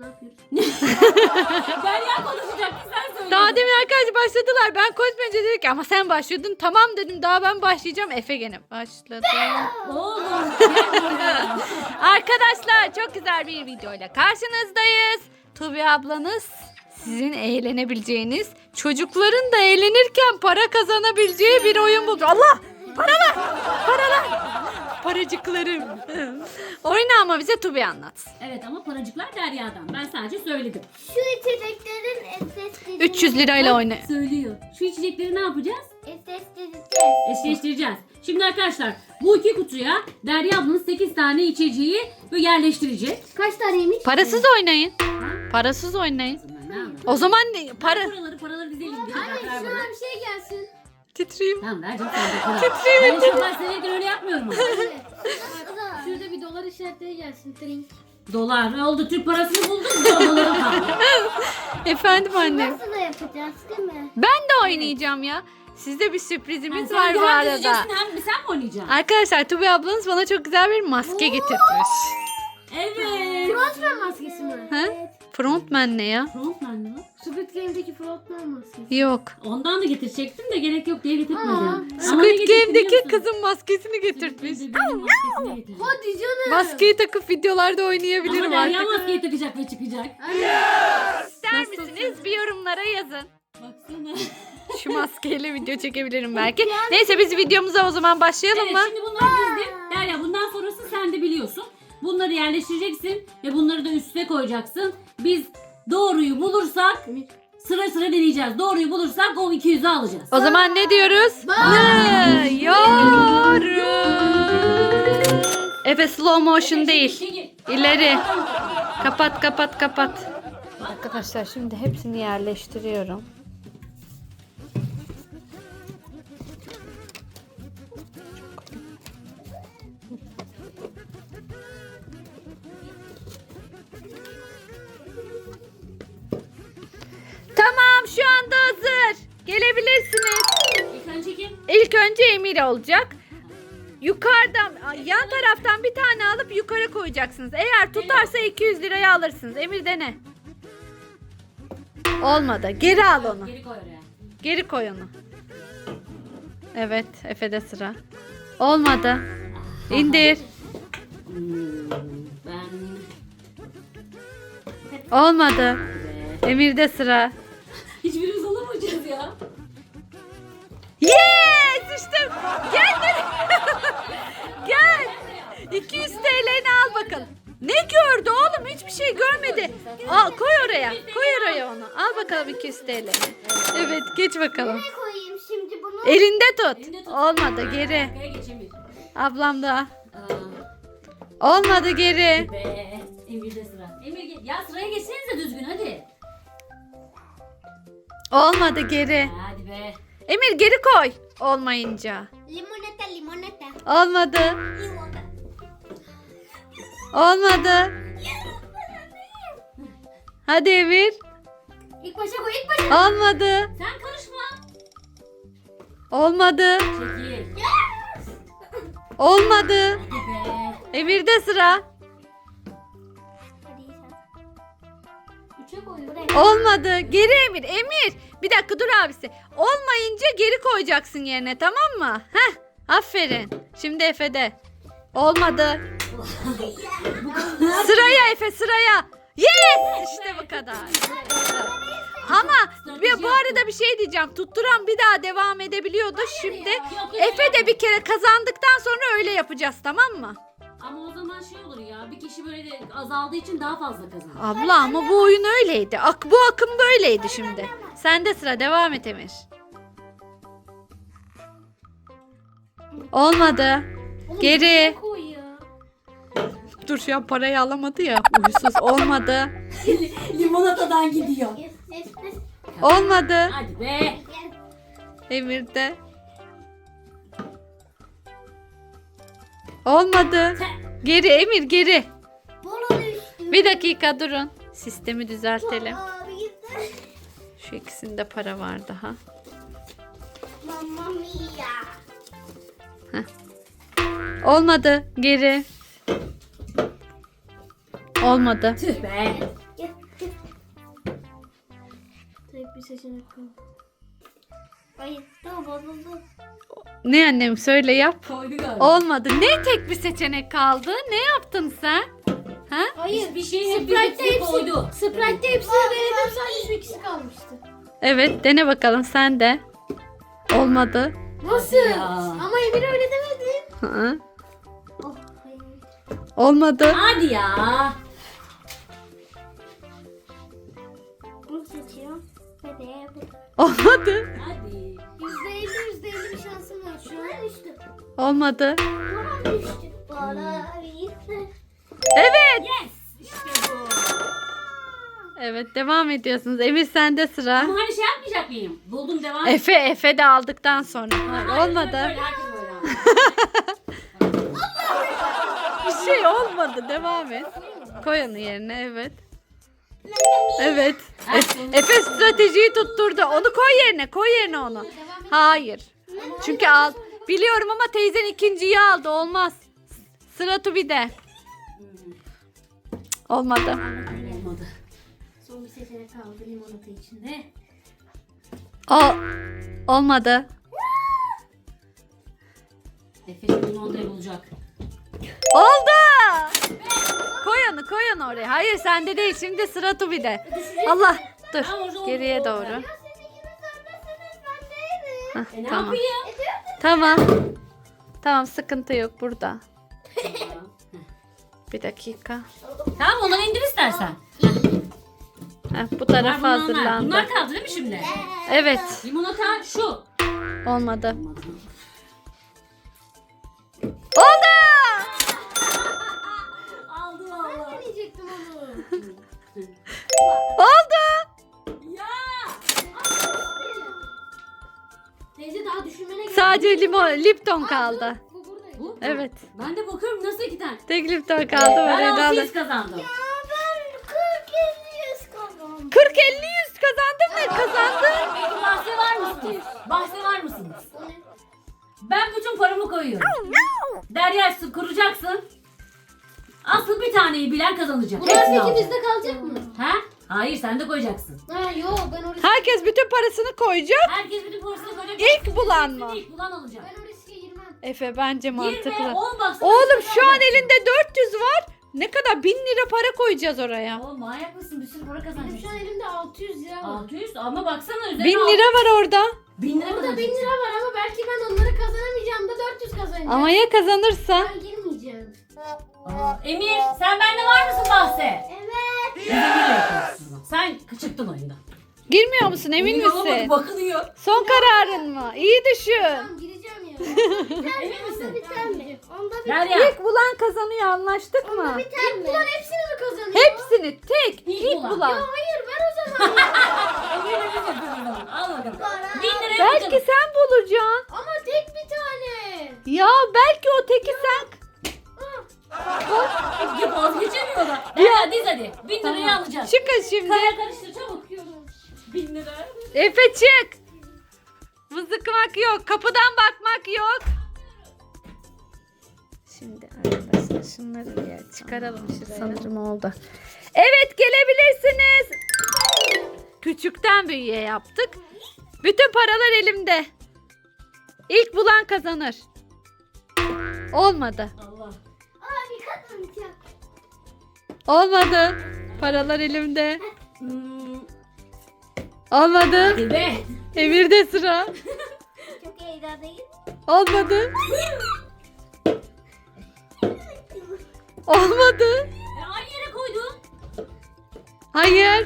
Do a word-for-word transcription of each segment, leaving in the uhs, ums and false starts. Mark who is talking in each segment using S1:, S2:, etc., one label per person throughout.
S1: Ne yapıyoruz?
S2: Derya konuşacak. Sen söyle.
S3: Daha demin arkadaşlar başladılar. Ben koşmayınca dedik ki ama sen başladın. Tamam dedim, daha ben başlayacağım. Efe gene başladı.
S2: Oğlum.
S3: Arkadaşlar çok güzel bir videoyla karşınızdayız. Tubi ablanız sizin eğlenebileceğiniz, çocukların da eğlenirken para kazanabileceği bir oyun buldu. Allah! Paralar! Paralar! Paracıklarım. Oyunu ama bize Tubi anlat.
S2: Evet ama paracıklar Derya'dan. Ben sadece söyledim.
S1: Şu içeceklerin eseslerini...
S3: üç yüz lirayla oyna.
S2: Söylüyor. Şu içecekleri ne yapacağız?
S1: Esesleneceğiz.
S2: Eşleştireceğiz. Şimdi arkadaşlar bu iki kutuya Derya ablanın sekiz tane içeceği böyle yerleştirecek.
S1: Kaç taneymiş?
S3: Parasız oynayın. Parasız oynayın.
S2: Ne yapalım?
S3: O zaman ne- para...
S2: Paraları paraları dizelim. Bir
S1: Anne
S2: dakika, ver
S1: şuna
S2: bana.
S1: bir şey gelsin.
S3: Titreyim.
S2: Tamam ver canım sen de para. Ben inşallah senedir öyle yapmıyorum ama.
S1: Şurada bir dolar işaretleri gelsin. Drink.
S2: Dolar ne oldu? Türk parasını bulduk. Doları kaldı.
S3: Efendim annem.
S1: Nasıl da yapacağız değil mi?
S3: Ben de oynayacağım ya. Sizde bir sürprizimiz
S2: Sen
S3: var
S2: de
S3: bu
S2: hem
S3: arada.
S2: dizeceksin hem sen mi oynayacaksın?
S3: Arkadaşlar Tubi ablanız bana çok güzel bir maske getirtmiş.
S2: Evet.
S1: Frontman maskesi mi?
S3: Ha? Frontman ne ya?
S2: Frontman mı?
S1: Squid Game'deki Frontman maskesi.
S3: Yok.
S2: Ondan da getirecektim de gerek yok diye getirtmedim. Ama ne
S3: Squid
S2: getirdim
S3: Game'deki
S2: biliyor musun?
S3: kızın maskesini getirtmiş.
S2: Squid Game'in maskesini getirdim.
S1: Hadi canım.
S3: Maskeyi takıp videolarda
S2: Ama
S3: oynayabilirim
S2: Derya
S3: artık.
S2: maskeyi takacak ve çıkacak.
S3: İster misiniz? Bir yorumlara yazın.
S2: Baksana.
S3: Şu maskeyle video çekebilirim belki. Neyse biz videomuza o zaman başlayalım
S2: Evet
S3: mı?
S2: şimdi bunları dizdim. Derya bundan sonrası sen de biliyorsun. Bunları yerleştireceksin ve bunları da üstüne koyacaksın. Biz doğruyu bulursak sıra sıra deneyeceğiz. Doğruyu bulursak o iki yüzü alacağız.
S3: O zaman ne diyoruz? Yorum. Efe slow motion değil. İleri. Kapat kapat kapat. Arkadaşlar şimdi hepsini yerleştiriyorum. Tamam şu anda hazır. Gelebilirsiniz.
S2: İlk önce kim?
S3: İlk önce Emir olacak. Yukarıdan, yan taraftan bir tane alıp yukarı koyacaksınız. Eğer tutarsa iki yüz liraya alırsınız. Emir dene. Olmadı. Geri al onu.
S2: Geri koy oraya.
S3: Geri koy onu. Evet, Efe'de sıra. Olmadı. İndir.
S2: Hmm, ben...
S3: Olmadı.
S2: Ve...
S3: Emir'de sıra.
S2: Hiçbirimiz alamayacağız ya.
S3: Yes! İşte gel gel. Gel. iki yüz T L'ni al bakalım. Ne gördü oğlum? Hiçbir şey görmedi. Al, koy oraya. Koy oraya onu. Al bakalım iki yüz T L'ni. Evet, geç bakalım.
S1: Ne koyayım şimdi bunu?
S3: Elinde tut.
S2: Elinde tut.
S3: Olmadı, geri.
S2: Arkaya geç Emir.
S3: Ablam da.
S2: Aa,
S3: Olmadı, geri.
S2: be. Emir'de sıra. Emir gel. Ya sıraya geçsenize düzgün hadi.
S3: Olmadı, geri.
S2: Hadi be.
S3: Emir geri koy. Olmayınca.
S1: Limonata limonata.
S3: Olmadı.
S1: Limonata.
S3: Olmadı. Hadi Emir.
S1: İlk başa koy ilk başa.
S3: Olmadı.
S2: Sen karışma.
S3: Olmadı.
S2: Çekil.
S3: Olmadı.
S2: Hadi be.
S3: Emir'de sıra.
S1: Hadi sen. Üçe koy buraya.
S3: Olmadı. Geri Emir. Emir. Bir dakika dur abisi. Olmayınca geri koyacaksın yerine, tamam mı? Heh. Aferin. Şimdi Efe'de. Olmadı. Sıraya Efe, sıraya. Yes! İşte bu kadar. Ama bir, bu arada bir şey diyeceğim. Tutturan bir daha devam edebiliyordu. Şimdi
S2: Yok, yok,
S3: Efe de bir kere kazandıktan sonra öyle yapacağız, tamam mı?
S2: Ama o zaman şey olur ya. Bir kişi böyle de azaldığı için daha fazla kazanır.
S3: Abla ama bu oyun öyleydi. Ak bu akım böyleydi şimdi. Sende sıra, devam et Emir. Olmadı.
S1: Oğlum,
S3: Geri.
S1: buraya koy ya.
S3: Dur şu an parayı alamadı ya. Uysuz olmadı.
S2: Limonatadan gidiyor.
S1: Yes yes yes.
S3: Olmadı.
S2: Hadi be.
S3: Emir'de. Olmadı. Geri Emir, geri.
S1: Bana düştü.
S3: Bir dakika durun. Sistemi düzeltelim.
S1: Abi gitti.
S3: Şu ikisinde para var daha.
S1: Mamma mia.
S3: Olmadı. Geri. Olmadı.
S2: Tüh be.
S1: Gel. tek bir seçenek kaldı. Hayır. Tamam bozuldu.
S3: Ne annem söyle yap.
S2: Koydu galiba.
S3: Olmadı. Ne tek bir seçenek kaldı? Ne yaptın sen? Ha?
S1: Hayır.
S2: Bir şey hep
S1: Sprite'de
S2: birlikte
S1: hepsi,
S2: koydu.
S1: Sprite'de hepsini denedim sadece şu ikisi kalmıştı.
S3: Evet dene bakalım sen de. Olmadı.
S1: Nasıl?
S2: Ya.
S1: Ama Emir öyle demedi.
S3: Hı.
S1: Oh, hayır.
S3: Olmadı.
S2: Hadi ya.
S1: Bunu seçiyorum. Hadi bu.
S3: Olmadı.
S2: Hadi.
S1: Yüzde elli yüzde elli bir şansım var şu an. Düştü.
S3: Olmadı.
S1: Bana düştü. Bana gitti.
S3: Evet.
S2: Yes. İşte bu.
S3: Evet devam ediyorsunuz. Emir sende sıra.
S2: Ama hani şey yapmayacak mıyım? Buldum devam.
S3: Efe Efe de aldıktan sonra. Hayır,
S2: Hayır,
S3: olmadı.
S2: Böyle, herkes böyle.
S3: Bir şey olmadı. Devam et. Koy onu yerine evet. Evet. E- Efe stratejiyi tutturdu. Onu koy yerine. Koy yerine onu. Hayır. Çünkü al. Biliyorum ama teyzen ikinciyi aldı. Olmaz. Sıra Tubi'de. Olmadı.
S2: Olmadı.
S1: Son bir seçenek kaldı limonata içinde.
S3: O olmadı.
S2: Efe şimdi limonatayı bulacak.
S3: Oldu. Koy onu, koy onu oraya. Hayır sende değil. Şimdi sıra Tubi'de. Allah. Dur.
S2: Ama orada oldu,
S3: Geriye
S2: oldu.
S3: doğru. Hah,
S2: E ne
S3: tamam.
S2: yapayım?
S3: Tamam. Tamam sıkıntı yok burada. Bir dakika.
S2: Tamam onları indir istersen.
S3: Heh, bu
S2: Bunlar,
S3: tarafa
S2: bunlar,
S3: hazırlandı.
S2: bunlar kaldı değil mi şimdi?
S3: Evet.
S2: Limonata şu.
S3: Olmadı. Oldu.
S2: Aldı valla.
S1: Ben deneyecektim onu.
S3: Oldu.
S2: Ya.
S1: Teyze daha düşünmene gerek
S3: Sadece limon, Lipton kaldı.
S1: Bu buradaydı.
S2: Bu?
S3: Evet.
S2: Ben de bakıyorum nasıl iki tane.
S3: Tek Lipton kaldı.
S2: Ben
S3: Böyle
S2: altı
S3: aldı.
S2: yüz kazandım.
S1: Ben kırk elli yüz kazandım.
S3: kırk elli yüz kazandın mı? Kazandın.
S2: Peki bahse var mısınız? Bahse var mısınız? Ben bütün paramı koyuyorum. Derya su kuracaksın. Asıl bir taneyi bilen kazanacak.
S1: Bunlar
S2: Hepsini
S1: peki
S2: alacak.
S1: bizde kalacak mı?
S2: Ha? Hayır sen de koyacaksın.
S1: Ha yok ben o riske,
S3: Herkes bütün parasını koyacak.
S2: Herkes bütün parasını koyacak.
S3: İlk bulan mı?
S2: İlk bulan alacak.
S1: ben o riske girmem.
S3: Efe bence
S2: Girme
S3: mantıklı.
S2: on baksana.
S3: Oğlum şu an elinde dört yüz var. Ne kadar? bin lira para koyacağız oraya.
S2: Oğlum manyak mısın? Bir sürü para
S1: Benim şu an
S2: kazanacaksın.
S1: elimde altı yüz lira var.
S2: altı yüz ama baksana üzerine
S3: bin
S2: al-
S3: lira var orada.
S2: bin lira
S1: Orada bin
S2: kazanacaksın.
S1: lira var ama belki ben onları kazanamayacağım da dört yüz kazanacağım.
S3: Ama ya kazanırsa?
S1: Ben girmeyeceğim.
S2: Aa, Emir sen bende var mısın bahse?
S1: Evet.
S2: Biz Emir'le yapıyoruz. Sen çıktın oyundan.
S3: Girmiyor musun? Emin
S2: Emin olamadı,
S3: misin?
S2: bakılıyor.
S3: Son kararın mı? İyi düşün.
S1: Tamam gireceğim ya.
S2: Emin misin?
S1: Biter mi? Onda bir
S2: Derya.
S3: İlk bulan kazanıyor anlaştık mı?
S1: biter mi? Bunlar hepsini mi kazanıyor?
S3: Hepsini tek
S2: İlk
S3: ilk
S2: bulan.
S3: bulan.
S1: Hayır ben o zaman ya.
S2: Emir'le biz yapıyoruz o zaman. Al bakalım.
S1: Para.
S2: Bin liraya
S3: Belki
S2: bakalım.
S3: sen bulacaksın.
S1: Ama tek bir tane.
S3: Ya belki o teki sen.
S2: Ya vazgeçemiyor da. Derya diz hadi. Bin liraya alacağız.
S3: Çıkın şimdi.
S2: Kaya karıştır çabuk. Bin lira.
S3: Efe çık. Mızıkmak yok. Kapıdan bakmak yok. Şimdi arkadaşlar şunları bir yer çıkaralım şuraya. Sanırım oldu. Evet gelebilirsiniz. Küçükten büyüğe yaptık. Bütün paralar elimde. İlk bulan kazanır. Olmadı.
S2: Allah.
S1: Abi kazanacağım.
S3: Olmadı. Paralar elimde.
S2: Hmm.
S3: Olmadı.
S2: Hadi be.
S3: Emir'de sıra.
S1: Çok heyecanlıyım.
S3: Olmadı. Olmadı.
S2: E, aynı yere koydun.
S3: Hayır.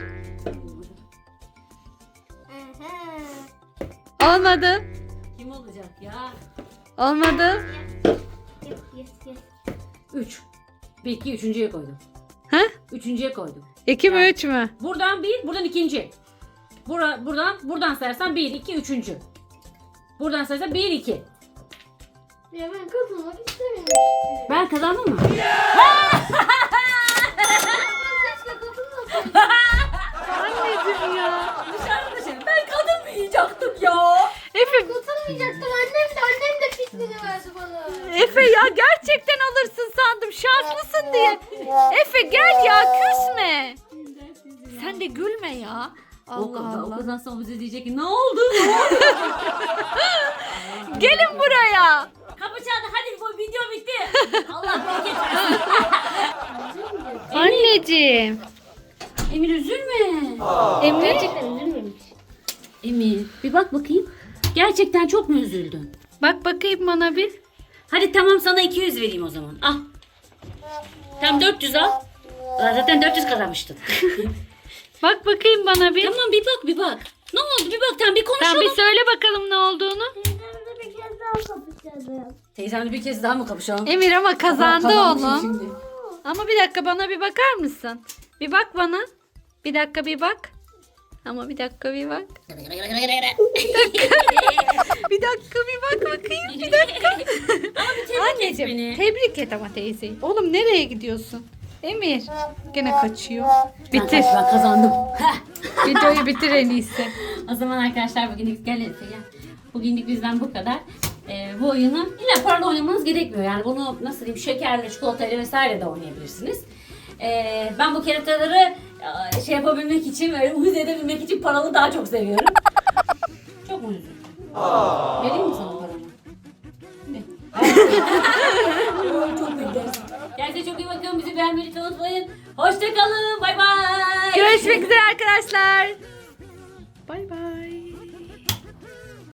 S3: Olmadı.
S2: Kim olacak ya?
S3: Olmadı.
S1: Yes yes yes.
S2: Üç. Bir iki üçüncüye koydum.
S3: Ha?
S2: Üçüncüye koydum.
S3: İki mi üç mü?
S2: Buradan bir, buradan ikinci. Bura, buradan, buradan sayarsan bir, iki, üçüncü. Buradan sayarsan bir, iki.
S1: Ya ben katılmak istemiyorum.
S2: Ben kazandım mı?
S1: Ben keşke katılmasaydım.
S3: Anneciğim ya.
S2: Dışarıda şey. Ben kazanmayacaktım ya.
S3: Efe,
S1: Katılmayacaktım. Annem de annem de fikrini verdi bana.
S3: Efe ya gerçekten alırsın sandım. Şanslısın diye. Efe gel ya küsme. Sen de gülme ya.
S2: O,
S3: Allah
S2: o
S3: Allah.
S2: kazansa o bize diyecek ki ne oldu?
S3: Gelin buraya.
S2: Kapı çaldı, hadi bu video bitti. Allah bereket versin.
S3: Anneciğim.
S2: Emir üzülme.
S3: Emir.
S1: Gerçekten üzülmemiş.
S2: Emir bir bak bakayım. Gerçekten çok mu üzüldün?
S3: Bak bakayım bana bir.
S2: Hadi tamam, sana iki yüz vereyim o zaman. Al. Tamam, dört yüz al. Zaten dört yüz kazanmıştın.
S3: Bak bakayım bana bir.
S2: Tamam, bir bak bir bak. Ne oldu, bir bak, tamam bir konuşalım.
S3: Tamam bir söyle bakalım ne olduğunu.
S1: Teyzemle bir kez daha kapışalım.
S2: Teyzemle bir kez daha mı kapışalım?
S3: Emir ama kazandı
S2: Kazanmışsın
S3: oğlum.
S2: şimdi.
S3: Ama bir dakika bana bir bakar mısın? Bir bak bana. Bir dakika bir bak. Ama bir dakika bir bak. Bir dakika bir bak bakayım. Bir dakika. Anneciğim
S2: beni.
S3: tebrik et ama teyzeyi. Oğlum nereye gidiyorsun? Emir gene kaçıyor. Bitir.
S2: Ben, ben kazandım.
S3: Videoyu bitir en iyisi.
S2: O zaman arkadaşlar bugünlük gel Efe gel. Bugünlük bizden bu kadar. Ee, bu oyunu illa paralı oynamanız gerekmiyor. Yani bunu nasıl diyeyim, şekerle, çikolatayla vesaire de oynayabilirsiniz. Ee, ben bu kerataları e, şey yapabilmek için, böyle uyuz edebilmek için paralı daha çok seviyorum. Çok mu üzüldün? Vereyim mi sana paramı? Ne? Çok beklersin. Kendinize çok iyi bakın. Bizi beğenmeyi unutmayın. Hoşçakalın. Bay bay.
S3: Görüşmek üzere arkadaşlar.